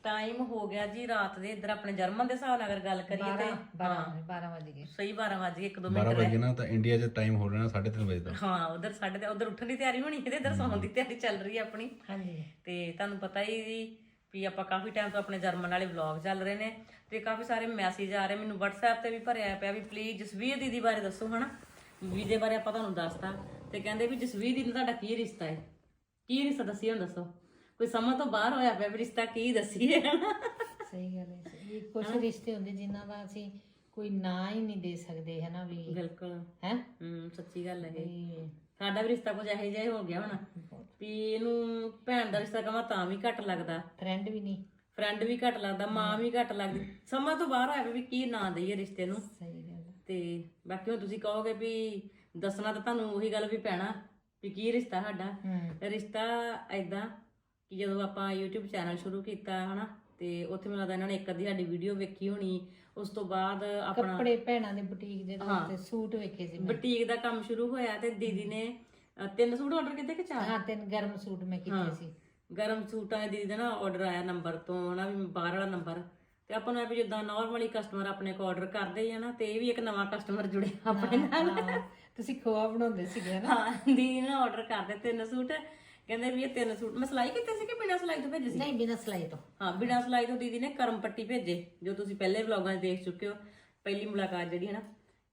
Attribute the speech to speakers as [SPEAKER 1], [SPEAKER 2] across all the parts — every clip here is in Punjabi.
[SPEAKER 1] ਟਾਈਮ ਹੋ ਗਿਆ ਜੀ ਰਾਤ ਦੇ ਇੱਧਰ ਆਪਣੇ ਜਰਮਨ ਦੇ ਹਿਸਾਬ ਨਾਲ ਅਗਰ ਗੱਲ ਕਰੀਏ ਤੇ
[SPEAKER 2] 12 ਵਜ ਗਏ।
[SPEAKER 1] ਸਹੀ 12 ਵਜ ਗਏ 1-2
[SPEAKER 3] 12
[SPEAKER 1] ਮਿੰਟ
[SPEAKER 3] ਵਜੇ ਨਾ ਤਾਂ ਇੰਡੀਆ 'ਚ ਟਾਈਮ ਹੋ ਰਿਹਾ 3:30 ਵਜੇ ਦਾ।
[SPEAKER 1] ਹਾਂ ਉਧਰ ਸਾਡੇ ਤੇ ਉਧਰ ਉੱਠਣ ਦੀ ਤਿਆਰੀ ਹੋਣੀ ਤੇ ਇੱਧਰ ਸੌਣ ਦੀ ਤਿਆਰੀ ਚੱਲ ਰਹੀ ਹੈ ਆਪਣੀ।
[SPEAKER 2] ਹਾਂਜੀ
[SPEAKER 1] ਤੇ ਤੁਹਾਨੂੰ ਪਤਾ ਹੀ ਜੀ ਵੀ ਆਪਾਂ ਕਾਫੀ ਟਾਈਮ ਤੋਂ ਆਪਣੇ ਜਰਮਨ ਵਾਲੇ ਵਲੌਗ ਚੱਲ ਰਹੇ ਨੇ ਤੇ ਕਾਫੀ ਸਾਰੇ ਮੈਸੇਜ ਆ ਰਹੇ ਮੈਨੂੰ WhatsApp ਤੇ ਵੀ ਭਰਿਆ ਪਿਆ ਵੀ ਪਲੀਜ਼ ਜਸਵੀਰ ਦੀਦੀ ਬਾਰੇ ਦੱਸੋ ਹਨਾ। ਵੀਜ਼ੇ ਬਾਰੇ ਆਪਾਂ ਤੁਹਾਨੂੰ ਦੱਸਤਾ ਤੇ ਕਹਿੰਦੇ ਵੀ ਜਸਵੀਰ ਦੀਦੀ ਤੁਹਾਡਾ ਕੀ ਰਿਸ਼ਤਾ ਹੈ, ਕੀ ਰਿਸ਼ਤਾ ਦੱਸੀ ਹੁਣ ਦੱਸੋ। ਕੋਈ ਸਮਝ ਤੋਂ ਬਾਹਰ ਹੋਇਆ ਪਿਆ ਵੀ ਰਿਸ਼ਤਾ ਕੀ ਦੱਸੀਏ ਹਨਾ।
[SPEAKER 2] ਸਹੀ ਗੱਲ ਹੈ। ਇਹ ਕੁਝ ਰਿਸ਼ਤੇ ਹੁੰਦੇ ਜਿਨ੍ਹਾਂ ਦਾ ਅਸੀਂ ਕੋਈ ਨਾਂ ਹੀ ਨਹੀਂ ਦੇ ਸਕਦੇ ਹਨਾ ਵੀ।
[SPEAKER 1] ਬਿਲਕੁਲ
[SPEAKER 2] ਹੈ
[SPEAKER 1] ਸੱਚੀ ਗੱਲ ਹੈ ਇਹ। ਸਾਡਾ ਵੀ ਰਿਸ਼ਤਾ ਕੁਝ ਇਹੋ ਜਿਹਾ ਹੀ ਹੋ ਗਿਆ ਹੁਣ ਵੀ ਇਹਨੂੰ ਭੈਣ ਦਾ ਰਿਸ਼ਤਾ ਕਹਾਂ ਤਾਂ ਵੀ ਘੱਟ ਲੱਗਦਾ,
[SPEAKER 2] ਫਰੈਂਡ ਵੀ ਨਹੀਂ,
[SPEAKER 1] ਫਰੈਂਡ ਵੀ ਘੱਟ ਲੱਗਦਾ, ਮਾਂ ਵੀ ਘੱਟ ਲੱਗਦੀ। ਸਮਝ ਤੋਂ ਬਾਹਰ ਹੋਇਆ ਵੀ ਕੀ ਨਾਂ ਦਈਏ ਰਿਸ਼ਤੇ ਨੂੰ।
[SPEAKER 2] ਸਹੀ ਗੱਲ ਹੈ।
[SPEAKER 1] ਤੇ ਬਾਕੀ ਹੁਣ ਤੁਸੀਂ ਕਹੋਗੇ ਵੀ ਦੱਸਣਾ ਤਾਂ ਤੁਹਾਨੂੰ ਉਹੀ ਗੱਲ ਵੀ ਪੈਣਾ ਵੀ ਕੀ ਰਿਸ਼ਤਾ ਸਾਡਾ। ਰਿਸ਼ਤਾ ਏਦਾਂ ਕਿ ਜਦੋਂ ਆਪਾਂ YouTube ਚੈਨਲ ਸ਼ੁਰੂ ਕੀਤਾ ਹਨਾ ਤੇ ਉੱਥੇ ਮੈਨੂੰ ਲੱਗਦਾ ਇਹਨਾਂ ਨੇ ਇੱਕ ਅੱਧੀ ਸਾਡੀ ਵੀਡੀਓ ਵੇਖੀ ਹੋਣੀ। ਉਸ ਤੋਂ ਬਾਅਦ ਆਪਣਾ
[SPEAKER 2] ਕੱਪੜੇ ਭੈਣਾਂ ਦੇ ਬੁਟੀਕ ਦੇ ਤੇ ਸੂਟ ਵੇਖੇ ਸੀ ਮੈਂ।
[SPEAKER 1] ਬੁਟੀਕ ਦਾ ਕੰਮ ਸ਼ੁਰੂ ਹੋਇਆ ਤੇ ਦੀਦੀ ਨੇ 3 ਸੂਟ ਆਰਡਰ ਕੀਤੇ ਕਿ 4?
[SPEAKER 2] ਹਾਂ 3 ਗਰਮ ਸੂਟ ਮੈਂ ਕੀਤੇ ਸੀ।
[SPEAKER 1] ਗਰਮ ਸੂਟਾਂ ਦੇ ਦੀਦੀ ਦਾ ਨਾ ਆਰਡਰ ਆਇਆ ਨੰਬਰ ਤੋਂ ਹਨਾ ਵੀ ਬਾਹਰ ਵਾਲਾ ਨੰਬਰ ਤੇ ਆਪਾਂ ਨੂੰ ਵੀ ਜਿੱਦਾਂ ਨਾਰਮਲੀ ਕਸਟਮਰ ਆਪਣੇ ਕੋ ਆਰਡਰ ਕਰਦੇ ਆ ਨਾ ਤੇ ਇਹ ਵੀ ਇੱਕ ਨਵਾਂ ਕਸਟਮਰ ਜੁੜਿਆ ਆਪਣੇ ਨਾਲ।
[SPEAKER 2] ਤੁਸੀਂ ਖੋਆ ਬਣਾਉਂਦੇ ਸੀਗੇ ਨਾ।
[SPEAKER 1] ਹਾਂ ਦੀਦੀ ਨੇ ਆਰਡਰ ਕਰਦੇ 3 ਸੂਟ। ਕਹਿੰਦੇ ਵੀ ਇਹ 3 ਸੂਟ ਮੈਂ ਸਿਲਾਈ ਕੀਤੇ ਸੀ ਕਿ ਬਿਨਾਂ ਸਿਲਾਈ ਤੋਂ ਭੇਜੇ ਸੀ?
[SPEAKER 2] ਨਹੀਂ ਬਿਨਾਂ ਸਿਲਾਈ ਤੋਂ।
[SPEAKER 1] ਹਾਂ ਬਿਨਾਂ ਸਿਲਾਈ ਤੋਂ ਦੀਦੀ ਨੇ ਕਰਮ ਪੱਟੀ ਭੇਜੇ ਜੋ ਤੁਸੀਂ ਪਹਿਲੇ ਵਲੌਗਾਂ 'ਚ ਦੇਖ ਚੁੱਕੇ ਹੋ, ਪਹਿਲੀ ਮੁਲਾਕਾਤ ਜਿਹੜੀ ਹੈ ਨਾ।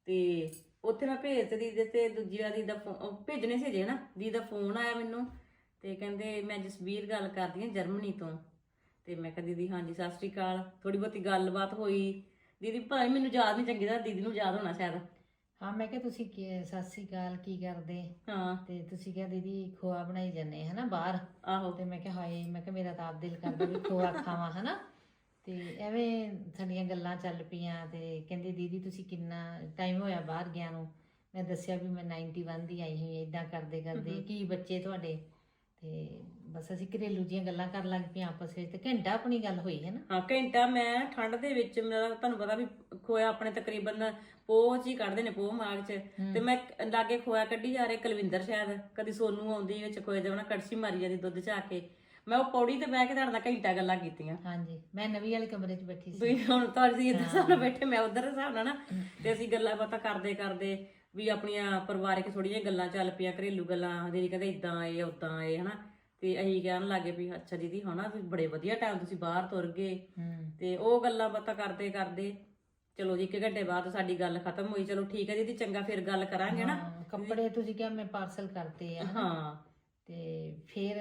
[SPEAKER 1] ਤੇ ਉੱਥੇ ਮੈਂ ਭੇਜ ਤੇ ਦੀਦੀ ਤੇ ਦੂਜੀ ਵਾਰ ਦੀਦੀ ਦਾ ਫੋਨ ਭੇਜਣੇ ਸੀ ਜੇ ਨਾ ਦੀਦੀ ਦਾ ਫੋਨ ਆਇਆ ਮੈਨੂੰ ਤੇ ਕਹਿੰਦੇ ਮੈਂ ਜਸਵੀਰ ਗੱਲ ਕਰਦੀ ਹਾਂ ਜਰਮਨੀ ਤੋਂ। ਤੇ ਮੈਂ ਕਿਹਾ ਦੀਦੀ ਹਾਂਜੀ ਸਤਿ ਸ਼੍ਰੀ ਅਕਾਲ। ਥੋੜੀ ਬਹੁਤੀ ਗੱਲਬਾਤ ਹੋਈ। ਦੀਦੀ ਭਾਈ ਮੈਨੂੰ ਯਾਦ ਨਹੀਂ ਚੰਗੀ ਤਰ੍ਹਾਂ, ਦੀਦੀ ਨੂੰ ਯਾਦ ਹੋਣਾ ਸ਼ਾਇਦ।
[SPEAKER 2] ਹਾਂ ਮੈਂ ਕਿਹਾ ਤੁਸੀਂ ਸਤਿ ਸ੍ਰੀ ਅਕਾਲ ਕੀ ਕਰਦੇ?
[SPEAKER 1] ਹਾਂ
[SPEAKER 2] ਤੇ ਤੁਸੀਂ ਕਿਹਾ ਦੀਦੀ ਖੋਆ ਬਣਾਈ ਜਾਂਦੇ ਹਨਾ ਬਾਹਰ।
[SPEAKER 1] ਆਹੋ
[SPEAKER 2] ਤੇ ਮੈਂ ਕਿਹਾ ਹਾਏ, ਮੈਂ ਕਿਹਾ ਮੇਰਾ ਤਾਂ ਆਪ ਦਿਲ ਕਰਦਾ ਵੀ ਖੋਆ ਖਾਵਾਂ ਹਨਾ। ਤੇ ਐਵੇਂ ਸਾਡੀਆਂ ਗੱਲਾਂ ਚੱਲ ਪਈਆਂ ਤੇ ਕਹਿੰਦੇ ਦੀਦੀ ਤੁਸੀਂ ਕਿੰਨਾ ਟਾਈਮ ਹੋਇਆ ਬਾਹਰ ਗਿਆ ਨੂੰ? ਮੈਂ ਦੱਸਿਆ ਵੀ ਮੈਂ 91 ਦੀ ਆਈ ਹੋਈ ਇਦਾਂ ਕਰਦੇ ਕਰਦੇ ਕੀ ਬੱਚੇ ਤੁਹਾਡੇ। ਤੇ ਬਸ ਅਸੀਂ ਘਰੇਲੂ ਜੀਆਂ ਗੱਲਾਂ ਕਰਨ ਲੱਗ ਪਈਆਂ ਆਪਸ ਵਿੱਚ ਤੇ ਘੰਟਾ ਆਪਣੀ ਗੱਲ ਹੋਈ ਹੈ ਨਾ।
[SPEAKER 1] ਹਾਂ ਘੰਟਾ। ਮੈਂ ਠੰਡ ਦੇ ਵਿੱਚ ਮੇਰਾ ਤੁਹਾਨੂੰ ਪਤਾ ਵੀ ਖੋਇਆ ਆਪਣੇ ਤਕਰੀਬਨ ਪੋਹ 'ਚ ਹੀ ਕੱਢਦੇ ਨੇ, ਪੋਹ ਮਾਗ 'ਚ। ਤੇ ਮੈਂ ਲਾਗੇ ਖੋਇਆ ਕੱਢੀ ਜਾ ਰਹੇ ਕੁਲਵਿੰਦਰ ਸ਼ਾਇਦ ਕਦੀ ਸੋਨੂੰ ਆਉਂਦੀ ਵਿੱਚ ਖੋਏ ਦੇ ਉਹਨਾਂ ਕੜਛੀ ਮਾਰੀ ਜਾਂਦੀ ਦੁੱਧ 'ਚ ਆ ਕੇ। ਮੈਂ ਉਹ ਪੌੜੀ ਤੇ ਬਹਿ ਕੇ ਤੁਹਾਡੇ ਨਾਲ ਘੰਟਾ ਗੱਲਾਂ ਕੀਤੀਆਂ।
[SPEAKER 2] ਹਾਂਜੀ ਮੈਂ ਨਵੀਂ ਵਾਲੇ ਕਮਰੇ 'ਚ ਬੈਠੀ ਸੀ।
[SPEAKER 1] ਵੀ ਹੁਣ ਤੁਹਾਡੀ ਇੱਧਰ ਹਿਸਾਬ ਨਾਲ ਬੈਠੇ ਮੈਂ ਉਧਰ ਹਿਸਾਬ ਨਾਲ ਨਾ ਤੇ ਅਸੀਂ ਗੱਲਾਂ ਬਾਤਾਂ ਕਰਦੇ ਕਰਦੇ ਵੀ ਆਪਣੀਆਂ ਪਰਿਵਾਰਕ ਥੋੜ੍ਹੀਆਂ ਗੱਲਾਂ ਚੱਲ ਪਈਆਂ, ਘਰੇਲੂ ਗੱਲਾਂ। ਦੀਦੀ ਕਹਿੰਦੇ ਇਦਾਂ ਆਏ ਉਦਾਂ ਆਏ ਹਨਾ। ਤੇ ਅਸੀਂ ਕਹਿਣ ਲੱਗੇ ਵੀ ਅੱਛਾ ਦੀਦੀ ਹਨਾ ਵੀ ਬੜੇ ਵਧੀਆ ਟਾਈਮ ਤੁਸੀਂ ਬਾਹਰ ਤੁਰ ਗਏ। ਤੇ ਉਹ ਗੱਲਾਂ ਬਾਤਾਂ ਕਰਦੇ ਕਰਦੇ ਚਲੋ ਜੀ 1 ਘੰਟੇ ਬਾਅਦ ਸਾਡੀ ਗੱਲ ਖਤਮ ਹੋਈ। ਚਲੋ ਠੀਕ ਹੈ ਦੀਦੀ ਚੰਗਾ ਫਿਰ ਗੱਲ ਕਰਾਂਗੇ ਨਾ।
[SPEAKER 2] ਕੱਪੜੇ ਤੁਸੀਂ ਕਿਹਾ ਮੈਂ ਪਾਰਸਲ ਕਰਤੇ ਆ।
[SPEAKER 1] ਹਾਂ
[SPEAKER 2] ਤੇ ਫਿਰ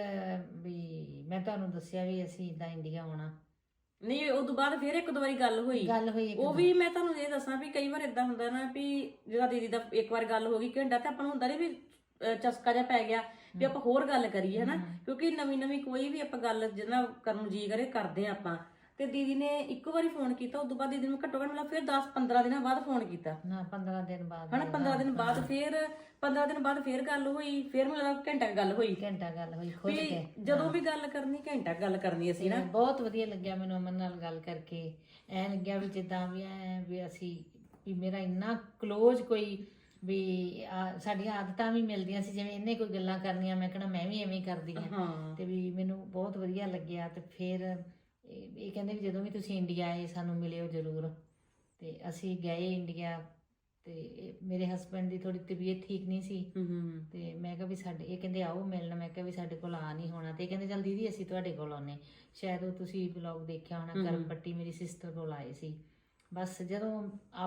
[SPEAKER 2] ਵੀ ਮੈਂ ਤੁਹਾਨੂੰ ਦੱਸਿਆ ਵੀ ਅਸੀਂ ਇਦਾਂ ਇੰਡੀਆ ਆਉਣਾ।
[SPEAKER 1] ਨਹੀਂ ਉਸ ਤੋਂ ਬਾਅਦ ਫਿਰ 1-2 ਵਾਰੀ ਗੱਲ ਹੋਈ। ਉਹ ਵੀ ਮੈਂ ਤੁਹਾਨੂੰ ਇਹ ਦੱਸਾਂ ਵੀ ਕਈ ਵਾਰ ਇਦਾਂ ਹੁੰਦਾ ਨਾ ਵੀ ਜਦੋਂ ਦੀਦੀ ਦਾ ਇੱਕ ਵਾਰ ਗੱਲ ਹੋ ਗਈ ਘੰਟਾ ਤੇ ਆਪਾਂ ਨੂੰ ਹੁੰਦਾ ਨਹੀਂ ਵੀ ਚਸਕਾ ਜਿਹਾ ਪੈ ਗਿਆ ਵੀ ਆਪਾਂ ਹੋਰ ਗੱਲ ਕਰੀਏ ਹਨਾ। ਕਿਉਂਕਿ ਨਵੀਂ ਕੋਈ ਵੀ ਆਪਾਂ ਗੱਲ ਜਿਹਨਾਂ ਕਰਨ ਨੂੰ ਜੀ ਕਰੇ ਕਰਦੇ ਆ ਆਪਾਂ। ਤੇ ਦੀਦੀ ਨੇ ਇੱਕ ਵਾਰੀ ਫੋਨ ਕੀਤਾ। ਉਸ ਤੋਂ ਬਾਅਦ ਦੀਦੀ ਨੂੰ ਘੱਟੋ ਘੱਟ ਮਤਲਬ ਫਿਰ 10-15 ਦਿਨਾਂ ਬਾਅਦ ਫੋਨ ਕੀਤਾ
[SPEAKER 2] ਨਾ 15 ਦਿਨ ਬਾਅਦ
[SPEAKER 1] ਹਨਾ। 15 ਦਿਨ ਬਾਅਦ ਫਿਰ 15 ਦਿਨ ਬਾਅਦ ਫਿਰ ਗੱਲ ਹੋਈ। ਫਿਰ ਮੈਨੂੰ ਲੱਗਦਾ ਘੰਟਾ ਗੱਲ ਹੋਈ
[SPEAKER 2] ਖੁਦ ਕੇ।
[SPEAKER 1] ਜਦੋਂ ਵੀ ਗੱਲ ਕਰਨੀ ਘੰਟਾ ਗੱਲ ਕਰਨੀ ਅਸੀਂ ਨਾ।
[SPEAKER 2] ਬਹੁਤ ਵਧੀਆ ਲੱਗਿਆ ਮੈਨੂੰ ਅਮਨ ਨਾਲ ਗੱਲ ਕਰਕੇ। ਐ ਲੱਗਿਆ ਵੀ ਜਿੱਦਾਂ ਵੀ ਅਸੀਂ ਵੀ ਮੇਰਾ ਇੰਨਾ ਕਲੋਜ਼ ਕੋਈ ਵੀ ਸਾਡੀਆਂ ਆਦਤਾਂ ਵੀ ਮਿਲਦੀਆਂ ਸੀ। ਜਿਵੇਂ ਇਹਨੇ ਕੋਈ ਗੱਲਾਂ ਕਰਨੀਆਂ ਮੈਂ ਕਹਿਣਾ ਮੈਂ ਵੀ ਐਵੇਂ ਕਰਦੀ ਹਾਂ। ਤੇ ਵੀ ਮੈਨੂੰ ਬਹੁਤ ਵਧੀਆ ਲੱਗਿਆ। ਤੇ ਫਿਰ ਇਹ ਕਹਿੰਦੇ ਵੀ ਜਦੋਂ ਵੀ ਤੁਸੀਂ ਇੰਡੀਆ ਆਏ ਸਾਨੂੰ ਮਿਲਿਓ ਜ਼ਰੂਰ। ਤੇ ਅਸੀਂ ਗਏ ਇੰਡੀਆ ਤੇ ਮੇਰੇ ਹਸਬੈਂਡ ਦੀ ਥੋੜੀ ਤਬੀਅਤ ਠੀਕ ਨਹੀਂ ਸੀ। ਤੇ ਮੈਂ ਕਿਹਾ ਵੀ ਸਾਡੇ ਇਹ ਕਹਿੰਦੇ ਆਓ ਮਿਲਣ। ਮੈਂ ਕਿਹਾ ਵੀ ਸਾਡੇ ਕੋਲ ਆ ਨਹੀਂ ਹੋਣਾ। ਤੇ ਕਹਿੰਦੇ ਚੱਲ ਦੀਦੀ ਅਸੀਂ ਤੁਹਾਡੇ ਕੋਲ ਆਉਨੇ। ਸ਼ਾਇਦ ਉਹ ਤੁਸੀਂ ਵਲੌਗ ਦੇਖਿਆ ਹੋਣਾ ਕਰਮ ਪੱਟੀ ਮੇਰੀ ਸਿਸਟਰ ਕੋਲ ਆਏ ਸੀ। ਬਸ ਜਦੋਂ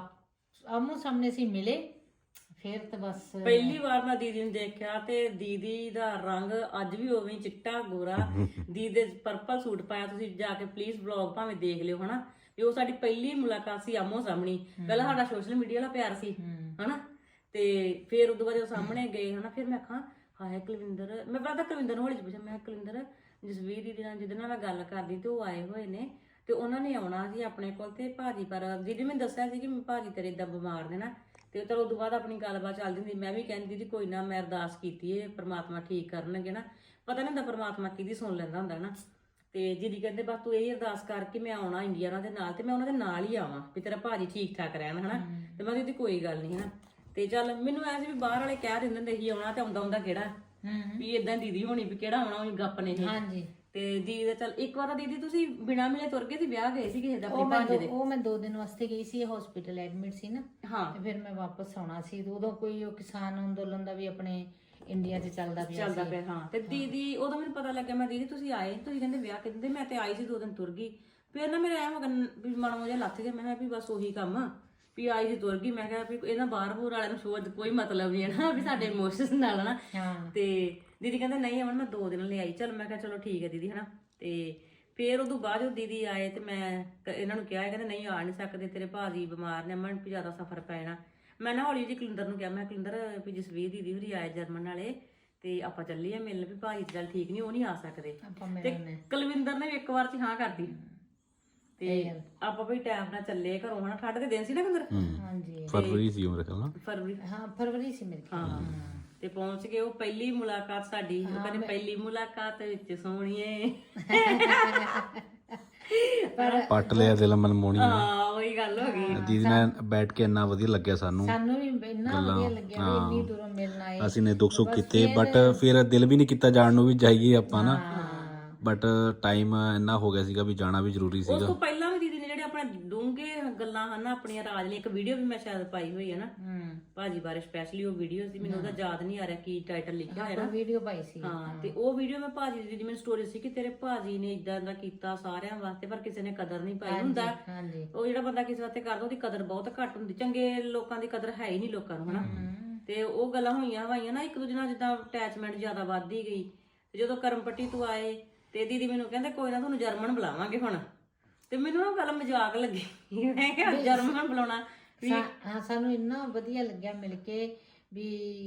[SPEAKER 2] ਆਮੋ ਸਾਹਮਣੇ ਸੀ ਮਿਲੇ ਫਿਰ ਤਾਂ ਬਸ
[SPEAKER 1] ਪਹਿਲੀ ਵਾਰ ਮੈਂ ਦੀਦੀ ਨੂੰ ਦੇਖਿਆ ਤੇ ਦੀਦੀ ਦਾ ਰੰਗ ਅੱਜ ਵੀ ਉਵੇਂ ਚਿੱਟਾ ਗੋਰਾ। ਦੀਦੀ ਦੇ ਪਰਪਲ ਸੂਟ ਪਾਇਆ। ਤੁਸੀਂ ਜਾ ਕੇ ਪਲੀਜ਼ ਵਲੌਗ ਭਾਵੇਂ ਦੇਖ ਲਿਓ ਹਨਾ। ਵੀ ਉਹ ਸਾਡੀ ਪਹਿਲੀ ਮੁਲਾਕਾਤ ਸੀ ਆਮੋ ਸਾਹਮਣੀ। ਪਹਿਲਾਂ ਸਾਡਾ ਸੋਸ਼ਲ ਮੀਡੀਆ ਵਾਲਾ ਪਿਆਰ ਸੀ ਹਨਾ। ਤੇ ਫਿਰ ਉਦੋਂ ਬਾਅਦ ਜਦੋਂ ਸਾਹਮਣੇ ਗਏ ਹਨਾ ਫਿਰ ਮੈਂ ਆਖਾਂ ਹਾਏ ਕੁਲਵਿੰਦਰ। ਮੈਂ ਪਤਾ ਕੁਲਵਿੰਦਰ ਨੂੰ ਹੌਲੀ ਚ ਪੁੱਛਿਆ ਮੈਂ ਕੁਲਵਿੰਦਰ ਜਸਵੀਰ ਦੀਦੀ ਨਾਲ ਜਿਹਦੇ ਨਾਲ ਮੈਂ ਗੱਲ ਕਰਦੀ ਤੇ ਉਹ ਆਏ ਹੋਏ ਨੇ ਤੇ ਉਹਨਾਂ ਨੇ ਆਉਣਾ ਸੀ ਆਪਣੇ ਕੋਲ। ਤੇ ਭਾਜੀ ਪਰ ਦੀਦੀ ਮੈਨੂੰ ਦੱਸਿਆ ਸੀ ਕਿ ਭਾਜੀ ਤੇਰੇ ਏਦਾਂ ਬਿਮਾਰ ਨੇ ਨਾ। ਤੇ ਚਲੋ ਉਦੋਂ ਬਾਅਦ ਆਪਣੀ ਗੱਲਬਾਤ ਚੱਲਦੀ ਹੁੰਦੀ। ਮੈਂ ਵੀ ਕਹਿੰਦੀ ਦੀਦੀ ਕੋਈ ਨਾ ਮੈਂ ਅਰਦਾਸ ਕੀਤੀ ਹੈ ਪ੍ਰਮਾਤਮਾ ਠੀਕ ਕਰਨਗੇ ਨਾ। ਪਤਾ ਨਹੀਂ ਹੁੰਦਾ ਪ੍ਰਮਾਤਮਾ ਕਿਹਦੀ ਸੁਣ ਲੈਂਦਾ ਹੁੰਦਾ ਨਾ। ਤੇ ਦੀਦੀ ਕਹਿੰਦੇ ਬਸ ਤੂੰ ਇਹ ਅਰਦਾਸ ਕਰਕੇ ਮੈਂ ਆਉਣਾ ਇੰਡੀਆ ਉਹਨਾਂ ਦੇ ਨਾਲ ਤੇ ਮੈਂ ਉਹਨਾਂ ਦੇ ਨਾਲ ਹੀ ਆਵਾਂ ਵੀ ਤੇਰਾ ਭਾਜੀ ਠੀਕ ਠਾਕ ਰਹਿਣ ਹਨਾ। ਤੇ ਮੈਂ ਦੀਦੀ ਕੋਈ ਗੱਲ ਨਹੀਂ ਹਨਾ। ਤੇ ਚੱਲ ਮੈਨੂੰ ਐ ਸੀ ਵੀ ਬਾਹਰ ਵਾਲੇ ਕਹਿ ਦਿੰਦੇ ਹੁੰਦੇ ਸੀ ਆਉਣਾ ਤੇ ਆਉਂਦਾ ਕਿਹੜਾ ਵੀ ਇਦਾਂ ਦੀਦੀ ਹੋਣੀ ਵੀ ਕਿਹੜਾ ਆਉਣਾ ਉਹ ਗੱਪ ਨੇ ਇਹ। ਤੇ ਦੀਦੀ ਦਾ ਚੱਲ ਇੱਕ ਵਾਰ ਤਾਂ ਦੀਦੀ ਤੁਸੀਂ ਬਿਨਾਂ ਮਿਲੇ ਤੁਰ ਗਏ ਸੀ, ਵਿਆਹ ਗਏ ਸੀ ਕਿਸੇ ਦਾ ਆਪਣੇ ਭਾਂਜੇ ਦੇ।
[SPEAKER 2] ਉਹ ਮੈਂ 2 ਦਿਨ ਵਾਸਤੇ ਗਈ ਸੀ, ਹਸਪੀਟਲ ਐਡਮਿਟ ਸੀ ਨਾ,
[SPEAKER 1] ਹਾਂ
[SPEAKER 2] ਤੇ ਫਿਰ ਮੈਂ ਵਾਪਸ ਆਉਣਾ ਸੀ। ਤੇ ਉਦੋਂ ਕੋਈ ਉਹ ਕਿਸਾਨ ਅੰਦੋਲਨ ਦਾ ਵੀ ਆਪਣੇ ਇੰਡੀਆ 'ਚ ਚੱਲਦਾ ਪਿਆ ਸੀ।
[SPEAKER 1] ਹਾਂ। ਤੇ ਦੀਦੀ ਉਦੋਂ ਮੈਨੂੰ ਪਤਾ ਲੱਗਿਆ, ਮੈਂ ਦੀਦੀ ਤੁਸੀਂ ਆਏ, ਤੁਸੀਂ ਕਹਿੰਦੇ ਵਿਆਹ ਕਹਿੰਦੇ, ਮੈਂ ਤੇ ਆਈ ਸੀ 2 ਦਿਨ ਤੁਰ ਗਈ। ਫਿਰ ਨਾ ਮੇਰੇ ਐ ਹੋ ਗਿਆ ਵੀ ਮਨ ਜਿਹਾ ਲੱਥ ਗਿਆ, ਮੈਂ ਕਿਹਾ ਵੀ ਬਸ ਉਹੀ ਕੰਮ ਆ ਵੀ ਆਈ ਸੀ ਤੁਰ ਗਈ। ਮੈਂ ਕਿਹਾ ਵੀ ਇਹਨਾਂ ਬਾਹਰ-ਬੂਰ ਵਾਲਿਆਂ ਨੂੰ ਸ਼ੋਅ ਕੋਈ ਮਤਲਬ ਨਹੀਂ ਹੈ ਨਾ ਵੀ ਸਾਡੇ ਇਮੋਸ਼ਨਸ ਨਾਲ ਨਾ। ਤੇ ਦੀਦੀ ਕਹਿੰਦੇ ਨਹੀਂ ਅਮਨ ਮੈਂ 2 ਦਿਨ ਲਈ ਆਈ। ਚਲ ਮੈਂ ਕਿਹਾ ਚਲੋ ਠੀਕ ਹੈ ਦੀਦੀ ਹਨਾ। ਤੇ ਫਿਰ ਉਦੋਂ ਬਾਅਦ ਜਦੋਂ ਦੀਦੀ ਆਏ ਤੇ ਮੈਂ ਇਹਨਾਂ ਨੂੰ ਕਿਹਾ, ਕਹਿੰਦੇ ਨਹੀਂ ਆ ਨਹੀਂ ਸਕਦੇ, ਤੇਰੇ ਭਾਜੀ ਬਿਮਾਰ ਨੇ, ਅਮਨ ਵੀ ਜ਼ਿਆਦਾ ਸਫਰ ਪੈਣਾ। ਮੈਂ ਨਾ ਹੌਲੀ ਜਿਹੀ ਕੁਲਿੰਦਰ ਨੂੰ ਕਿਹਾ, ਮੈਂ ਕੁਲਿੰਦਰ ਵੀ ਜਸਵੀਰ ਦੀਦੀ ਹੋਰੀ ਆਏ ਜਰਮਨ ਵਾਲੇ ਤੇ ਆਪਾਂ ਚੱਲੀਏ ਮਿਲਣ, ਵੀ ਭਾਜੀ ਚੱਲ ਠੀਕ ਨਹੀਂ, ਉਹ ਨਹੀਂ ਆ ਸਕਦੇ। ਤੇ ਕੁਲਵਿੰਦਰ ਨੇ ਵੀ ਇੱਕ ਵਾਰ ਚ ਹਾਂ ਕਰਦੀ ਤੇ ਆਪਾਂ ਵੀ ਟਾਈਮ ਨਾਲ ਚੱਲੇ ਘਰੋਂ ਹਨਾ। ਠੰਡ ਦੇ ਦਿਨ ਸੀ ਨਾ ਕੁਲਿੰਦਰ?
[SPEAKER 2] ਹਾਂਜੀ
[SPEAKER 3] ਫਰਵਰੀ ਸੀ ਮੇਰੇ ਖਿਆਲ ਨਾਲ।
[SPEAKER 1] ਫਰਵਰੀ,
[SPEAKER 2] ਹਾਂ ਫਰਵਰੀ ਸੀ ਮੇਰੇ ਖਿਆਲ।
[SPEAKER 1] ਹਾਂ। ਤੇ ਪਹੁੰਚ ਗਏ। ਉਹ ਪਹਿਲੀ ਮੁਲਾਕਾਤ ਸਾਡੀ, ਉਹ ਕਹਿੰਦੇ ਪਹਿਲੀ ਮੁਲਾਕਾਤ ਵਿੱਚ ਸੋਹਣੀਏ
[SPEAKER 3] ਪੱਟ ਲਿਆ ਦਿਲ ਮਨਮੋਹਣੀ।
[SPEAKER 1] ਹਾਂ ਉਹੀ ਗੱਲ ਹੋ ਗਈ।
[SPEAKER 3] ਦੀਦੀ ਨਾਲ ਬੈਠ ਕੇ ਇੰਨਾ ਵਧੀਆ ਲੱਗਿਆ ਸਾਨੂੰ
[SPEAKER 2] ਵੀ ਇੰਨਾ ਵਧੀਆ ਲੱਗਿਆ ਵੀ ਇੰਨੀ ਦੂਰੋਂ ਮਿਲਣ ਆਏ।
[SPEAKER 3] ਅਸੀਂ ਨੇ ਦੁੱਖ ਸੁੱਖ ਕੀਤੇ, ਬਟ ਫਿਰ ਦਿਲ ਵੀ ਨਹੀਂ ਕੀਤਾ ਜਾਣ ਨੂੰ ਵੀ ਜਾਈਏ ਆਪਾਂ ਨਾ, ਬਟ ਟਾਈਮ ਇੰਨਾ ਹੋ ਗਿਆ ਸੀਗਾ ਵੀ ਜਾਣਾ ਵੀ ਜ਼ਰੂਰੀ
[SPEAKER 1] ਉਸ
[SPEAKER 3] ਸੀਗਾ।
[SPEAKER 1] ਤੋਂ ਪਹਿਲਾਂ ਵੀ ਦੀਦੀ ਨੇ ਜਿਹੜੇ ਆਪਣੇ ਡੂੰਘੇ ਗੱਲਾਂ ਹਨ ਨਾ ਆਪਣੀਆਂ ਰਾਜ ਨੇ, ਇੱਕ ਵੀਡੀਓ ਵੀ ਮੈਂ ਸ਼ਾਇਦ ਪਾਈ ਹੋਈ ਹੈ ਨਾ ਭਾਜੀ ਬਾਰੇ ਸਪੈਸ਼ਲੀ। ਉਹ ਵੀਡੀਓ ਸੀ, ਮੈਨੂੰ ਉਹਦਾ ਯਾਦ ਨਹੀਂ ਆ ਰਿਹਾ ਕੀ ਟਾਈਟਲ ਲਿਖਿਆ ਹੋਇਆ ਨਾ,
[SPEAKER 2] ਵੀਡੀਓ ਪਾਈ ਸੀ।
[SPEAKER 1] ਹਾਂ। ਤੇ ਉਹ ਵੀਡੀਓ ਮੈਂ ਭਾਜੀ ਦੀ ਮੈਨੂੰ ਸਟੋਰੀ ਸੀ ਕਿ ਤੇਰੇ ਭਾਜੀ ਨੇ ਇਦਾਂ ਦਾ ਕੀਤਾ ਸਾਰਿਆਂ ਵਾਸਤੇ, ਪਰ ਕਿਸੇ ਨੇ ਕਦਰ ਨਹੀਂ ਪਾਈ। ਹੁੰਦਾ ਉਹ ਜਿਹੜਾ ਬੰਦਾ ਕਿਸੇ ਵਾਸਤੇ ਕਰਦਾ ਉਹਦੀ ਕਦਰ ਬਹੁਤ ਘੱਟ ਹੁੰਦੀ, ਚੰਗੇ ਲੋਕਾਂ ਦੀ ਕਦਰ ਹੈ ਹੀ ਨਹੀਂ ਲੋਕਾਂ ਨੂੰ ਹਨਾ। ਤੇ ਉਹ ਗੱਲਾਂ ਹੋਈਆਂ ਹਵਾਈਆਂ ਨਾ, ਇੱਕ ਦੂਜੇ ਨਾਲ ਜਿੱਦਾਂ ਅਟੈਚਮੈਂਟ ਜ਼ਿਆਦਾ ਵੱਧਦੀ ਗਈ। ਤੇ ਜਦੋਂ ਕਰਮਪੱਟੀ ਤੋਂ ਆਏ ਤੇ ਦੀਦੀ ਮੈਨੂੰ ਕਹਿੰਦੇ ਕੋਈ ਨਾ ਤੁਹਾਨੂੰ ਜਰਮਨ ਬੁਲਾਵਾਂਗੇ ਹੁਣ। ਤੇ ਮੈਨੂੰ ਉਹ ਗੱਲ ਮਜ਼ਾਕ ਲੱਗੀ, ਮੈਂ ਕਿਹਾ ਜਰਮਨ ਬੁਲਾਉਣਾ।
[SPEAKER 2] ਹਾਂ ਸਾਨੂੰ ਇੰਨਾ ਵਧੀਆ ਲੱਗਿਆ ਮਿਲ ਕੇ ਵੀ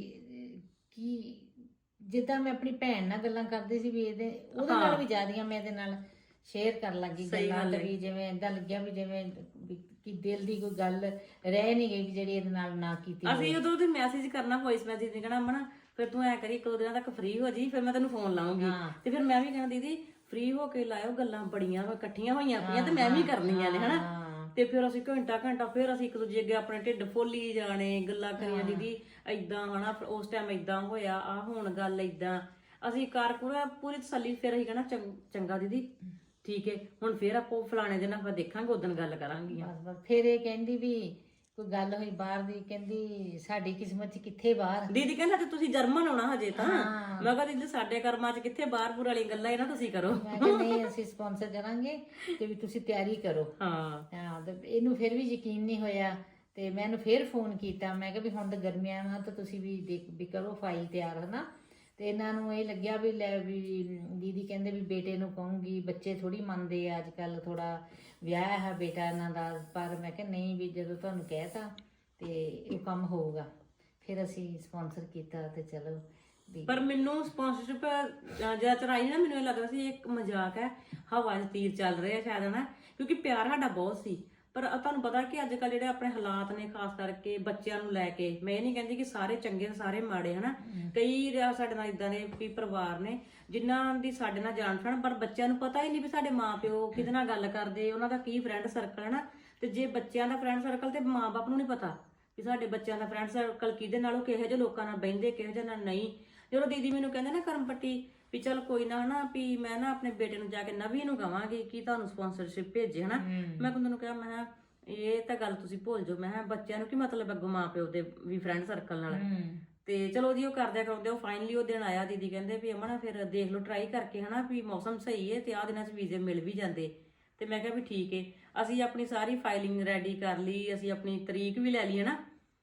[SPEAKER 2] ਕੀ ਜਿੱਦਾਂ ਮੈਂ ਆਪਣੀ ਭੈਣ ਨਾਲ ਗੱਲਾਂ ਕਰਦੀ ਸੀ ਵੀ ਉਹਦੇ ਨਾਲ ਵੀ ਜ਼ਿਆਦੀਆਂ ਮੈਂ ਇਹਦੇ ਨਾਲ ਸ਼ੇਅਰ ਕਰਨ ਲੱਗੀ ਗੱਲਾਂ। ਵੀ ਜਿਵੇਂ ਏਦਾਂ ਲੱਗਿਆ ਵੀ ਜਿਵੇਂ ਕਿ ਦਿਲ ਦੀ ਕੋਈ ਗੱਲ ਰਹਿ ਨਹੀਂ ਗਈ ਵੀ ਜਿਹੜੀ ਇਹਦੇ ਨਾਲ ਨਾ ਕੀਤੀ।
[SPEAKER 1] ਅਸੀਂ ਉਦੋਂ ਤੇ ਮੈਸੇਜ ਕਰਨਾ, ਵੌਇਸ ਮੈਸੇਜ ਨਹੀਂ ਕਹਿਣਾ ਅਮਨ ਫਿਰ ਤੂੰ ਐ ਕਰੀ 1-2 ਦਿਨਾਂ ਤੱਕ ਫ੍ਰੀ ਹੋ ਜੀ, ਫਿਰ ਮੈਂ ਤੈਨੂੰ ਫੋਨ ਲਾਉਂਗੀ। ਤੇ ਫਿਰ ਮੈਂ ਵੀ ਕਹਿਣਾ ਦੀਦੀ ਫ੍ਰੀ ਹੋ ਕੇ ਲਾਇਓ, ਗੱਲਾਂ ਬੜੀਆਂ ਇਕੱਠੀਆਂ ਹੋਈਆਂ ਪਈਆਂ ਤੇ ਮੈਂ ਵੀ ਕਰਨੀਆਂ ਨੇ ਹਨਾ। ਤੇ ਫਿਰ ਅਸੀਂ ਘੰਟਾ ਫਿਰ ਅਸੀਂ ਇੱਕ ਦੂਜੇ ਅੱਗੇ ਆਪਣੇ ਢਿੱਡ ਫੋਲੀ ਜਾਣੇ, ਗੱਲਾਂ ਕਰੀਆਂ ਦੀਦੀ ਏਦਾਂ ਹਨਾ, ਉਸ ਟਾਈਮ ਏਦਾਂ ਹੋਇਆ, ਆ ਹੁਣ ਗੱਲ ਏਦਾਂ। ਅਸੀਂ ਪੂਰੀ ਤਸੱਲੀ। ਫਿਰ ਅਸੀਂ ਕਹਿਣਾ ਚੰਗਾ ਦੀਦੀ ਠੀਕ ਹੈ, ਹੁਣ ਫਿਰ ਆਪਾਂ ਫਲਾਣੇ ਦਿਨ ਆਪਾਂ ਦੇਖਾਂਗੇ, ਉਦੋਂ ਗੱਲ ਕਰਾਂਗੀਆਂ।
[SPEAKER 2] ਫਿਰ ਇਹ ਕਹਿੰਦੀ ਵੀ ਕੋਈ ਗੱਲ ਹੋਈ ਬਾਹਰ ਦੀ, ਕਹਿੰਦੀ ਸਾਡੀ ਕਿਸਮਤ 'ਚ ਕਿੱਥੇ ਬਾਹਰ।
[SPEAKER 1] ਦੀਦੀ ਕਹਿੰਦਾ ਤੇ ਤੁਸੀਂ ਜਰਮਨ ਆਉਣਾ ਹਜੇ ਤਾਂ। ਮੈਂ ਕਿਹਾ ਦੀਦੀ ਸਾਡੇ ਕਰਮਾਂ 'ਚ ਕਿੱਥੇ ਬਾਹਰ ਵਾਲੀਆਂ ਗੱਲਾਂ ਇਹਨਾਂ ਤੁਸੀਂ ਕਰੋ।
[SPEAKER 2] ਮੈਂ ਕਿਹਾ ਨਹੀਂ ਅਸੀਂ ਸਪਾਂਸਰ ਕਰਾਂਗੇ ਤੇ ਵੀ ਤੁਸੀਂ ਤਿਆਰੀ ਕਰੋ। ਹਾਂ ਤੇ ਇਹਨੂੰ ਫਿਰ ਵੀ ਯਕੀਨ ਨਹੀਂ ਹੋਇਆ ਤੇ ਮੈਂ ਇਹਨੂੰ ਫਿਰ ਫੋਨ ਕੀਤਾ। ਮੈਂ ਕਿਹਾ ਵੀ ਹੁਣ ਤਾਂ ਗਰਮੀਆਂ ਆ ਤਾਂ ਤੁਸੀਂ ਵੀ ਕਰੋ ਫਾਈਲ ਤਿਆਰ ਹਨਾ। ਤੇ ਇਹਨਾਂ ਨੂੰ ਇਹ ਲੱਗਿਆ ਵੀ ਲੈ ਵੀ ਦੀਦੀ ਕਹਿੰਦੇ ਵੀ ਬੇਟੇ ਨੂੰ ਕਹੂੰਗੀ, ਬੱਚੇ ਥੋੜੀ ਮੰਨਦੇ ਆ ਅੱਜ ਕੱਲ, ਥੋੜਾ ਵਿਆਹ ਹੈ ਬੇਟਾ ਇਹਨਾਂ ਦਾ। ਪਰ ਮੈਂ ਕਿਹਾ ਨਹੀਂ ਵੀ ਜਦੋਂ ਤੁਹਾਨੂੰ ਕਹਿਤਾ ਤੇ ਇਹ ਕੰਮ ਹੋਊਗਾ। ਫਿਰ ਅਸੀਂ ਸਪਾਂਸਰ ਕੀਤਾ ਤੇ ਚਲੋ।
[SPEAKER 1] ਪਰ ਮੈਨੂੰ ਸਪਾਂਸਰਸ਼ਿਪ ਜਿਆਦਾ ਚਰਾਈ ਨਾ, ਮੈਨੂੰ ਇਹ ਲੱਗਦਾ ਸੀ ਇੱਕ ਮਜ਼ਾਕ ਹੈ, ਹਵਾ 'ਚ ਤੀਰ ਚੱਲ ਰਿਹਾ ਸ਼ਾਇਦ ਹਨਾ, ਕਿਉਂਕਿ ਪਿਆਰ ਸਾਡਾ ਬਹੁਤ ਸੀ। ਪਰ ਤੁਹਾਨੂੰ ਪਤਾ ਕਿ ਅੱਜ ਕੱਲ ਜਿਹੜੇ ਆਪਣੇ ਹਾਲਾਤ ਨੇ ਖਾਸ ਕਰਕੇ ਬੱਚਿਆਂ ਨੂੰ ਲੈ ਕੇ, ਮੈਂ ਇਹ ਨਹੀਂ ਕਹਿੰਦੀ ਕਿ ਸਾਰੇ ਚੰਗੇ ਤੇ ਸਾਰੇ ਮਾੜੇ ਹਨਾ। ਕਈ ਸਾਡੇ ਨਾਲ ਇਦਾਂ ਦੇ ਵੀ ਪਰਿਵਾਰ ਨੇ ਜਿਨ੍ਹਾਂ ਦੀ ਸਾਡੇ ਨਾਲ ਜਾਣ ਪਛਾਣ, ਪਰ ਬੱਚਿਆਂ ਨੂੰ ਪਤਾ ਹੀ ਨਹੀਂ ਵੀ ਸਾਡੇ ਮਾਪਿਓ ਕਿਹਦੇ ਨਾਲ ਗੱਲ ਕਰਦੇ, ਉਹਨਾਂ ਦਾ ਕੀ ਫਰੈਂਡ ਸਰਕਲ ਹਨਾ। ਤੇ ਜੇ ਬੱਚਿਆਂ ਦਾ ਫਰੈਂਡ ਸਰਕਲ ਤੇ ਮਾਂ-ਬਾਪ ਨੂੰ ਨਹੀਂ ਪਤਾ ਕਿ ਸਾਡੇ ਬੱਚਿਆਂ ਦਾ ਫਰੈਂਡ ਸਰਕਲ ਕਿਹਦੇ ਨਾਲ, ਉਹ ਕਿਹੋ ਜਿਹੇ ਲੋਕਾਂ ਨਾਲ ਬਹਿੰਦੇ, ਕਿਹੋ ਜਿਹੇ ਨਾਲ ਨਹੀਂ। ਜਦੋਂ ਦੀਦੀ ਮੈਨੂੰ ਕਹਿੰਦੇ ਨਾ ਕਰਮਪੱਟੀ ਵੀ ਚਲ ਕੋਈ ਨਾ ਹਨਾ, ਵੀ ਮੈਂ ਨਾ ਆਪਣੇ ਬੇਟੇ ਨੂੰ ਜਾ ਕੇ ਨਵੀ ਨੂੰ ਕਵਾਂਗੀ ਕਿ ਤੁਹਾਨੂੰ ਸਪਾਂਸਰਸ਼ਿਪ ਭੇਜੇ ਹਨਾ। ਮੈਂ ਉਹਨਾਂ ਨੂੰ ਕਿਹਾ ਮੈਂ ਇਹ ਤਾਂ ਗੱਲ ਤੁਸੀਂ ਭੁੱਲ ਜਾਓ, ਮੈਂ ਬੱਚਿਆਂ ਨੂੰ ਕੀ ਮਤਲਬ ਅੱਗੋਂ ਮਾਂ ਪਿਓ ਦੇ ਵੀ ਫਰੈਂਡ ਸਰਕਲ ਨਾਲ। ਤੇ ਚਲੋ ਜੀ ਉਹ ਕਰਦਿਆਂ ਕਰਾਉਂਦੇ ਉਹ ਫਾਈਨਲੀ ਉਹ ਦਿਨ ਆਇਆ। ਦੀਦੀ ਕਹਿੰਦੇ ਵੀ ਅਮਨ ਫਿਰ ਦੇਖ ਲਓ ਟਰਾਈ ਕਰਕੇ ਹਨਾ, ਵੀ ਮੌਸਮ ਸਹੀ ਹੈ ਤੇ ਆਹ ਦਿਨਾਂ 'ਚ ਵੀਜ਼ੇ ਮਿਲ ਵੀ ਜਾਂਦੇ। ਤੇ ਮੈਂ ਕਿਹਾ ਵੀ ਠੀਕ ਹੈ। ਅਸੀਂ ਆਪਣੀ ਸਾਰੀ ਫਾਈਲਿੰਗ ਰੈਡੀ ਕਰ ਲਈ, ਅਸੀਂ ਆਪਣੀ ਤਰੀਕ ਵੀ ਲੈ ਲਈ ਹੈ ਨਾ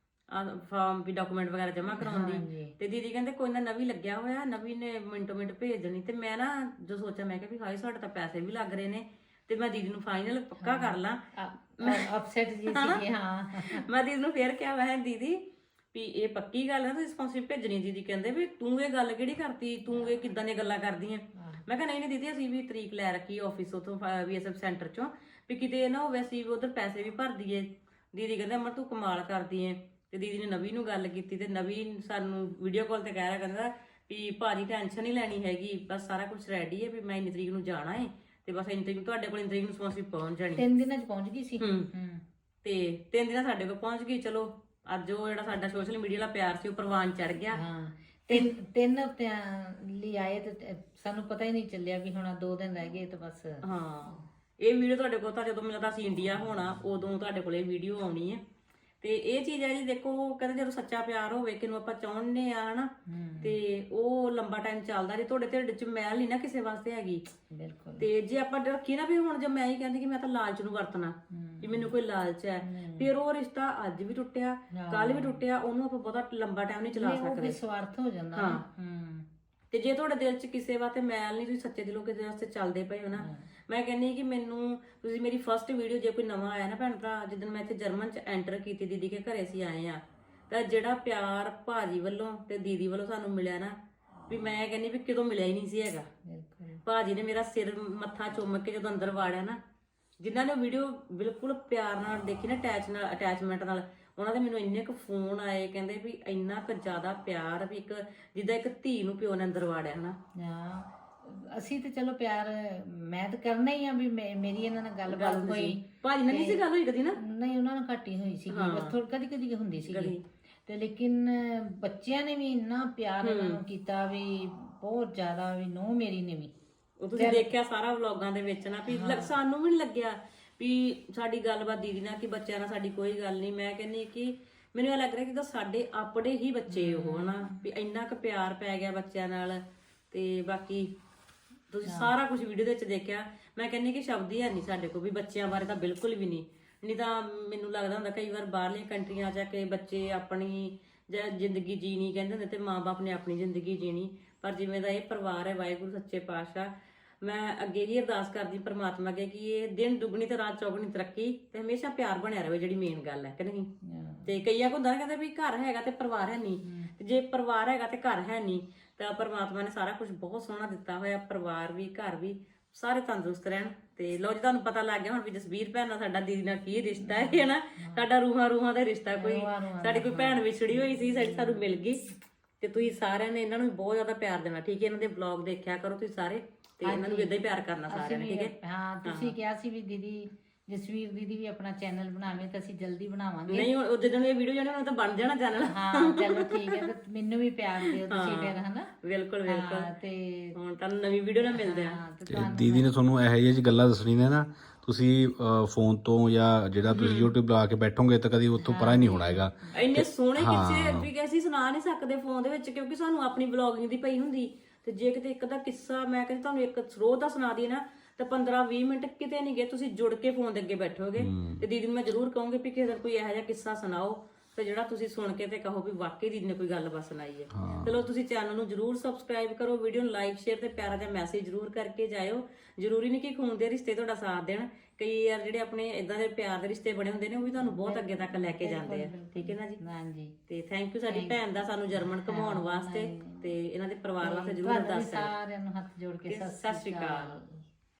[SPEAKER 1] ਫਾਰਮ ਵੀ ਡਾਕੂਮੈਂਟ ਵਗੈਰਾ ਜਮ੍ਹਾਂ ਕਰਾਉਣ ਦੀ। ਤੇ ਦੀਦੀ ਕਹਿੰਦੇ ਕੋਈ ਨਾ ਨਵੀਂ ਲੱਗਿਆ ਹੋਇਆ, ਨਵੀਂ ਨੇ ਮਿੰਟੋ ਮਿੰਟ ਭੇਜ ਦੇਣੀ। ਤੇ ਮੈਂ ਨਾ ਜੋ ਸੋਚਿਆ ਮੈਂ ਕਿਹਾ ਵੀ ਹਾਏ ਸਾਡੇ ਤਾਂ ਪੈਸੇ ਵੀ ਲੱਗ ਰਹੇ ਨੇ ਤੇ ਮੈਂ ਦੀਦੀ ਨੂੰ ਫਾਈਨਲ ਪੱਕਾ ਕਰ ਲਾਂ।
[SPEAKER 2] ਅਪਸੈਟ ਜੀ ਸੀ। ਹਾਂ
[SPEAKER 1] ਮੈਂ ਦੀਦੀ ਨੂੰ ਫੇਰ ਕਿਹਾ ਮੈਂ ਕਿਹਾ ਦੀਦੀ ਵੀ ਇਹ ਪੱਕੀ ਗੱਲ ਹੈ ਤੁਸੀਂ ਸਪਾਂਸਰਸ਼ਿਪ ਭੇਜਣੀ। ਦੀਦੀ ਕਹਿੰਦੇ ਵੀ ਤੂੰ ਇਹ ਗੱਲ ਕਿਹੜੀ ਕਰਤੀ, ਤੂੰ ਇਹ ਕਿੱਦਾਂ ਦੀਆਂ ਗੱਲਾਂ ਕਰਦੀ ਆ। ਮੈਂ ਕਿਹਾ ਨਹੀਂ ਦੀਦੀ ਅਸੀਂ ਵੀ ਤਰੀਕ ਲੈ ਰੱਖੀ ਆਫਿਸ ਉਥੋਂ VSF ਸੈਂਟਰ ਚੋਂ, ਵੀ ਕਿਤੇ ਨਾ ਹੋਵੇ ਅਸੀਂ ਉਧਰ ਪੈਸੇ ਵੀ ਭਰ ਦਈਏ। ਦੀਦੀ ਕਹਿੰਦੇ ਅਮਰ ਤੂੰ ਕਮਾਲ ਕਰਦੀ ਏ। ਤੇ ਦੀਦੀ ਨੇ ਨਵੀ ਨੂੰ ਗੱਲ ਕੀਤੀ ਤੇ ਨਵੀ ਸਾਨੂੰ ਵੀਡੀਓ ਕਾਲ ਤੇ ਕਹਿ ਰਿਹਾ, ਕਹਿੰਦਾ ਵੀ ਭਾਜੀ ਟੈਨਸ਼ਨ ਨਹੀਂ ਲੈਣੀ ਹੈਗੀ, ਬਸ ਸਾਰਾ ਕੁਝ ਰੈਡੀ ਹੈ, ਵੀ ਮੈਂ ਇੰਨੀ ਤਰੀਕ ਨੂੰ ਜਾਣਾ ਹੈ ਤੇ ਬਸ ਇੰਨੀ ਤਰੀਕ ਨੂੰ ਤੁਹਾਡੇ ਕੋਲ ਇੰਨੀ ਤਰੀਕ ਨੂੰ ਸਪਾਂਸਰਸ਼ਿਪ ਪਹੁੰਚ ਜਾਣੀ।
[SPEAKER 2] 3 ਦਿਨਾਂ 'ਚ ਪਹੁੰਚ ਗਈ ਸੀ।
[SPEAKER 1] ਤੇ 3 ਦਿਨਾਂ ਸਾਡੇ ਕੋਲ ਪਹੁੰਚ ਗਈ। ਚਲੋ ਅੱਜ ਉਹ ਜਿਹੜਾ ਸਾਡਾ ਸੋਸ਼ਲ ਮੀਡੀਆ ਵਾਲਾ ਪਿਆਰ ਸੀ ਉਹ ਪ੍ਰਵਾਨ ਚੜ ਗਿਆ।
[SPEAKER 2] ਤਿੰਨ ਹਫ਼ਤਿਆਂ ਲਈ ਆਏ ਤੇ ਸਾਨੂੰ ਪਤਾ ਹੀ ਨਹੀਂ ਚੱਲਿਆ ਵੀ ਹੁਣ 2 ਦਿਨ ਰਹਿ ਗਏ ਤੇ ਬਸ।
[SPEAKER 1] ਹਾਂ, ਇਹ ਵੀਡੀਓ ਤੁਹਾਡੇ ਕੋਲ ਤਾਂ ਜਦੋਂ ਮੈਨੂੰ ਲੱਗਦਾ ਅਸੀਂ ਇੰਡੀਆ ਹੋਣਾ ਉਦੋਂ ਤੁਹਾਡੇ ਕੋਲ ਇਹ ਵੀਡੀਓ ਆਉਣੀ ਹੈ। ਤੇ ਇਹ ਚੀਜ਼ ਹੈ ਜੀ, ਦੇਖੋ ਉਹ ਕਹਿੰਦੇ ਜਦੋਂ ਸੱਚਾ ਪਿਆਰ ਹੋਵੇ ਕਿਨੂੰ ਆਪਾਂ ਚਾਹੁੰਦੇ ਆ ਹਨਾ, ਤੇ ਉਹ ਲੰਬਾ ਟਾਈਮ ਚੱਲਦਾ। ਜੇ ਤੁਹਾਡੇ ਢਿੱਡ 'ਚ ਮੈਲ ਨਹੀਂ ਨਾ ਕਿਸੇ ਵਾਸਤੇ ਹੈਗੀ,
[SPEAKER 2] ਬਿਲਕੁਲ।
[SPEAKER 1] ਤੇ ਜੇ ਆਪਾਂ ਰੱਖੀ ਨਾ ਵੀ ਹੁਣ ਜੇ ਮੈਂ ਹੀ ਕਹਿੰਦੀ ਕਿ ਮੈਂ ਤਾਂ ਲਾਲਚ ਨੂੰ ਵਰਤਣਾ ਵੀ ਮੈਨੂੰ ਕੋਈ ਲਾਲਚ ਹੈ, ਫਿਰ ਉਹ ਰਿਸ਼ਤਾ ਅੱਜ ਵੀ ਟੁੱਟਿਆ ਕੱਲ ਵੀ ਟੁੱਟਿਆ, ਉਹਨੂੰ ਆਪਾਂ ਬਹੁਤਾ ਲੰਬਾ ਟਾਈਮ ਨਹੀਂ ਚਲਾ ਸਕਦੇ।
[SPEAKER 2] ਸਵਾਰਥ ਹੋ ਜਾਂਦਾ।
[SPEAKER 1] ਹਾਂ। ਤੇ ਜੇ ਤੁਹਾਡੇ ਦਿਲ 'ਚ ਕਿਸੇ ਵਾਸਤੇ ਮੈਲ ਨਹੀਂ, ਤੁਸੀਂ ਸੱਚੇ ਦਿਲੋਂ ਕਿਸੇ ਵਾਸਤੇ ਚੱਲਦੇ ਪਏ ਹੋ ਨਾ, ਮੈਂ ਕਹਿੰਦੀ ਕਿ ਮੈਨੂੰ ਤੁਸੀਂ ਮੇਰੀ ਫਸਟ ਵੀਡੀਓ ਜੇ ਕੋਈ ਨਵਾਂ ਆਇਆ ਨਾ ਭੈਣ ਭਰਾ, ਜਿੱਦਣ ਮੈਂ ਇੱਥੇ ਜਰਮਨ 'ਚ ਐਂਟਰ ਕੀਤੀ ਦੀਦੀ ਕੇ ਘਰੇ ਅਸੀਂ ਆਏ ਆ, ਤਾਂ ਜਿਹੜਾ ਪਿਆਰ ਭਾਜੀ ਵੱਲੋਂ ਤੇ ਦੀਦੀ ਵੱਲੋਂ ਸਾਨੂੰ ਮਿਲਿਆ ਨਾ, ਵੀ ਮੈਂ ਕਹਿੰਦੀ ਵੀ ਕਿਤੋਂ ਮਿਲਿਆ ਹੀ ਨਹੀਂ ਸੀ ਹੈਗਾ। ਭਾਜੀ ਨੇ ਮੇਰਾ ਸਿਰ ਮੱਥਾ ਚੁੰਮ ਕੇ ਜਦੋਂ ਅੰਦਰ ਵਾੜਿਆ ਨਾ, ਜਿਨ੍ਹਾਂ ਨੇ ਵੀਡੀਓ ਬਿਲਕੁਲ ਪਿਆਰ ਨਾਲ ਦੇਖੀ ਨਾ, ਅਟੈਚਮੈਂਟ ਨਾਲ, ਉਹਨਾਂ ਦੇ ਮੈਨੂੰ ਇੰਨੇ ਕੁ ਫੋਨ ਆਏ, ਕਹਿੰਦੇ ਵੀ ਇੰਨਾ ਕੁ ਜ਼ਿਆਦਾ ਪਿਆਰ ਵੀ ਇੱਕ ਜਿੱਦਾਂ ਇੱਕ ਧੀ ਨੂੰ ਪਿਓ ਨੇ ਅੰਦਰ ਵਾੜਿਆ ਹਨਾ।
[SPEAKER 2] ਅਸੀਂ ਤੇ ਚਲੋ ਪਿਆਰ ਮੈਂ ਤਾਂ ਕਰਨਾ ਹੀ ਆ ਵੀ ਮੇਰੀ ਇਹਨਾਂ ਨਾਲ ਗੱਲਬਾਤ ਹੋਈ।
[SPEAKER 1] ਭਾਜੀ ਨਾਲ ਨਹੀਂ ਸੀ ਗੱਲ ਹੋਈ ਕਦੀ ਨਾ?
[SPEAKER 2] ਨਹੀਂ, ਉਹਨਾਂ ਨਾਲ ਘੱਟ ਹੀ ਹੋਈ ਸੀ, ਬਸ ਥੋੜੀ ਕਦੀ ਕਦੀ ਹੁੰਦੀ ਸੀ ਤੇ ਲੇਕਿਨ ਬੱਚਿਆਂ ਨੇ ਵੀ ਇੰਨਾ ਪਿਆਰ ਇਹਨਾਂ ਨੂੰ ਕੀਤਾ ਵੀ ਬਹੁਤ ਜ਼ਿਆਦਾ, ਵੀ ਨੋ ਮੇਰੀ ਨੇ ਵੀ।
[SPEAKER 1] ਉਹ ਤੁਸੀਂ ਦੇਖਿਆ ਸਾਰਾ ਵਲੌਗਾਂ ਦੇ ਵਿੱਚ ਨਾ, ਵੀ ਸਾਨੂੰ ਵੀ ਨਹੀਂ ਲੱਗਿਆ ਵੀ ਸਾਡੀ ਗੱਲਬਾਤ ਦੀਦੀ ਨਾਲ ਕਿ ਬੱਚਿਆਂ ਨਾਲ ਸਾਡੀ ਕੋਈ ਗੱਲ ਨਹੀਂ। ਮੈਂ ਕਹਿੰਦੀ ਕਿ ਮੈਨੂੰ ਇਹ ਲੱਗ ਰਿਹਾ ਕਿ ਸਾਡੇ ਆਪਣੇ ਹੀ ਬੱਚੇ ਉਹ ਹਨਾ, ਵੀ ਇੰਨਾ ਕੁ ਪਿਆਰ ਪੈ ਗਿਆ ਬੱਚਿਆਂ ਨਾਲ। ਤੇ ਬਾਕੀ ਤੁਸੀਂ ਸਾਰਾ ਕੁਝ ਵੀਡੀਓ ਦੇ ਵਿੱਚ ਦੇਖਿਆ। ਮੈਂ ਕਹਿੰਦੀ ਕਿ ਸ਼ਬਦ ਹੀ ਹੈ ਨਹੀਂ ਸਾਡੇ ਕੋਲ ਵੀ ਬੱਚਿਆਂ ਬਾਰੇ ਤਾਂ ਬਿਲਕੁਲ ਵੀ ਨਹੀਂ ਤਾਂ ਮੈਨੂੰ ਲੱਗਦਾ ਹੁੰਦਾ ਕਈ ਵਾਰ ਬਾਹਰਲੀਆਂ ਕੰਟਰੀਆਂ 'ਚ ਕਿ ਬੱਚੇ ਆਪਣੀ ਜ਼ਿੰਦਗੀ ਜੀਣੀ ਕਹਿੰਦੇ ਹੁੰਦੇ ਤੇ ਮਾਂ-ਬਾਪ ਨੇ ਆਪਣੀ ਜ਼ਿੰਦਗੀ ਜੀਣੀ, ਪਰ ਜਿਵੇਂ ਦਾ ਇਹ ਪਰਿਵਾਰ ਹੈ, ਵਾਹਿਗੁਰੂ ਸੱਚੇ ਪਾਤਸ਼ਾਹ, ਮੈਂ ਅੱਗੇ ਹੀ ਅਰਦਾਸ ਕਰਦੀ ਪਰਮਾਤਮਾ ਅੱਗੇ ਕਿ ਇਹ ਦਿਨ ਦੁੱਗਣੀ ਤੇ ਰਾਤ ਚੌਗਣੀ ਤਰੱਕੀ ਤੇ ਹਮੇਸ਼ਾ ਪਿਆਰ ਬਣਿਆ ਰਹੇ, ਜਿਹੜੀ ਮੇਨ ਗੱਲ ਹੈ ਕਿ ਨਹੀਂ। ਤੇ ਕਈਆਂ ਕੋ ਹੁੰਦਾ ਕਹਿੰਦੇ ਵੀ ਘਰ ਹੈਗਾ ਤੇ ਪਰਿਵਾਰ ਹੈ ਨਹੀਂ, ਜੇ ਪਰਿਵਾਰ ਹੈਗਾ ਤੇ ਘਰ ਹੈ ਨਹੀਂ, ਤਾਂ ਪਰਮਾਤਮਾ ਨੇ ਸਾਰਾ ਕੁਝ ਬਹੁਤ ਸੋਹਣਾ ਦਿੱਤਾ ਹੋਇਆ, ਪਰਿਵਾਰ ਵੀ ਘਰ ਵੀ ਸਾਰੇ ਤੰਦਰੁਸਤ ਰਹਿਣ। ਤੇ ਲੋ ਜੀ ਤੁਹਾਨੂੰ ਪਤਾ ਲੱਗ ਗਿਆ ਹੁਣ ਵੀ ਜਸਵੀਰ ਭੈਣ ਨਾਲ ਸਾਡਾ ਦੀਦੀ ਨਾਲ ਕੀ ਰਿਸ਼ਤਾ ਹੈ ਨਾ, ਸਾਡਾ ਰੂਹਾਂ ਦਾ ਰਿਸ਼ਤਾ। ਕੋਈ ਸਾਡੀ ਕੋਈ ਭੈਣ ਵਿਛੜੀ ਹੋਈ ਸੀ, ਸਾਨੂੰ ਮਿਲ ਗਈ। ਤੇ ਤੁਸੀਂ ਸਾਰਿਆਂ ਨੇ ਇਹਨਾਂ ਨੂੰ ਬਹੁਤ ਜ਼ਿਆਦਾ ਪਿਆਰ ਦੇਣਾ, ਠੀਕ ਹੈ। ਇਹਨਾਂ ਦੇ ਵਲੌਗ ਦੇਖਿਆ ਕਰੋ ਤੁਸੀਂ ਸਾਰੇ, ਤੇ ਇਹਨਾਂ ਨੂੰ ਇਦਾਂ ਹੀ ਪਿਆਰ ਕਰਨਾ ਸਾਰਿਆਂ ਨੇ, ਠੀਕ ਹੈ।
[SPEAKER 2] ਹਾਂ, ਤੁਸੀਂ ਕਿਹਾ ਸੀ ਵੀ ਦੀਦੀ ਜਸਵੀਰ ਦੀਦੀ ਵੀ ਆਪਣਾ ਚੈਨਲ ਬਣਾਵੇ, ਤਾਂ ਅਸੀਂ ਜਲਦੀ ਬਣਾਵਾਂਗੇ।
[SPEAKER 1] ਨਹੀਂ, ਉਹ ਜਦੋਂ ਇਹ ਵੀਡੀਓ ਜਾਣੀ ਉਹਨਾਂ ਤਾਂ ਬਣ ਜਾਣਾ ਚੈਨਲ।
[SPEAKER 2] ਹਾਂ ਚਲੋ ਠੀਕ ਹੈ, ਤੇ ਮੈਨੂੰ ਵੀ ਪਿਆਰ ਦਿਓ ਤੁਸੀਂ ਫਿਰ ਹਨਾ।
[SPEAKER 1] ਬਿਲਕੁਲ ਬਿਲਕੁਲ।
[SPEAKER 2] ਤੇ
[SPEAKER 1] ਹੁਣ ਤੁਹਾਨੂੰ ਨਵੀਂ ਵੀਡੀਓ ਨਾਲ ਮਿਲਦੇ ਆ।
[SPEAKER 3] ਤੇ ਦੀਦੀ ਨੇ ਤੁਹਾਨੂੰ ਇਹੋ ਜਿਹੀ ਗੱਲਾਂ ਦੱਸਣੀ ਨੇ ਨਾ, ਤੁਸੀਂ ਫੋਨ ਤੋਂ ਜਾਂ ਜਿਹੜਾ ਤੁਸੀਂ YouTube ਲਾ ਕੇ ਬੈਠੋਗੇ ਤਾਂ ਕਦੀ ਉੱਥੋਂ ਪਰਾਂ ਹੀ ਨਹੀਂ ਹੋਣਾ ਹੈਗਾ।
[SPEAKER 1] ਇੰਨੇ ਸੋਹਣੇ ਕਿੱਸੇ ਵੀ ਅਸੀਂ ਸੁਣਾ ਨਹੀਂ ਸਕਦੇ ਫੋਨ ਦੇ ਵਿੱਚ, ਕਿਉਂਕਿ ਸਾਨੂੰ ਆਪਣੀ ਵਲੌਗਿੰਗ ਦੀ ਪਈ ਹੁੰਦੀ। ਤੇ ਜੇ ਕਿਤੇ ਇੱਕ ਦਾ ਕਿੱਸਾ ਮੈਂ ਕਹਿੰਦੀ ਤੁਹਾਨੂੰ ਇੱਕ ਸਰੋਤ ਦਾ ਸੁਣਾ ਦਈਏ ਨਾ, ਤਾਂ 15-20 ਮਿੰਟ ਕਿਤੇ ਨਹੀਂ ਗਏ, ਤੁਸੀਂ ਜੁੜ ਕੇ ਫੋਨ ਦੇ ਅੱਗੇ ਬੈਠੋਗੇ। ਤੇ ਦੀਦੀ ਨੂੰ ਮੈਂ ਜ਼ਰੂਰ ਕਹੂੰਗੀ ਵੀ ਕਿਸੇ ਦਿਨ ਕੋਈ ਇਹੋ ਜਿਹਾ ਕਿੱਸਾ ਸੁਣਾਓ ਤੇ ਜਿਹੜਾ ਤੁਸੀਂ ਸੁਣ ਕੇ ਤੇ ਕਹੋ ਵੀ ਵਾਕਈ ਦੀਦੀ ਨੇ ਕੋਈ ਗੱਲ ਬਸ ਸੁਣਾਈ ਹੈ। ਚਲੋ ਤੁਸੀਂ ਚੈਨਲ ਨੂੰ ਜ਼ਰੂਰ ਸਬਸਕ੍ਰਾਈਬ ਕਰੋ, ਵੀਡੀਓ ਨੂੰ ਲਾਈਕ ਸ਼ੇਅਰ ਤੇ ਪਿਆਰਾ ਜਿਹਾ ਮੈਸੇਜ ਜ਼ਰੂਰ ਕਰਕੇ ਜਾਇਓ। ਜ਼ਰੂਰੀ ਨਹੀਂ ਕਿ ਖੂਨ ਦੇ ਰਿਸ਼ਤੇ ਤੁਹਾਡਾ ਸਾਥ ਦੇਣ, ਕਈ ਯਾਰ ਜਿਹੜੇ ਆਪਣੇ ਇਦਾਂ ਦੇ ਪਿਆਰ ਦੇ ਰਿਸ਼ਤੇ ਬਣੇ ਹੁੰਦੇ ਨੇ, ਉਹ ਵੀ ਤੁਹਾਨੂੰ ਬਹੁਤ ਅੱਗੇ ਤੱਕ ਲੈ ਕੇ ਜਾਂਦੇ ਆ, ਠੀਕ ਹੈ ਨਾ ਜੀ।
[SPEAKER 2] ਹਾਂਜੀ,
[SPEAKER 1] ਤੇ ਥੈਂਕ ਯੂ ਸਾਡੀ ਭੈਣ ਦਾ ਸਾਨੂੰ ਜਰਮਨ ਘੁਮਾਉਣ ਵਾਸਤੇ, ਤੇ ਇਹਨਾਂ ਦੇ ਪਰਿਵਾਰ ਵਾਸਤੇ ਜ਼ਰੂਰ ਦੱਸ
[SPEAKER 2] ਸਾਰਿਆਂ ਨੂੰ ਹੱਥ ਜੋੜ ਕੇ
[SPEAKER 1] ਸਤਿ ਸ਼੍ਰੀ ਅਕਾਲ।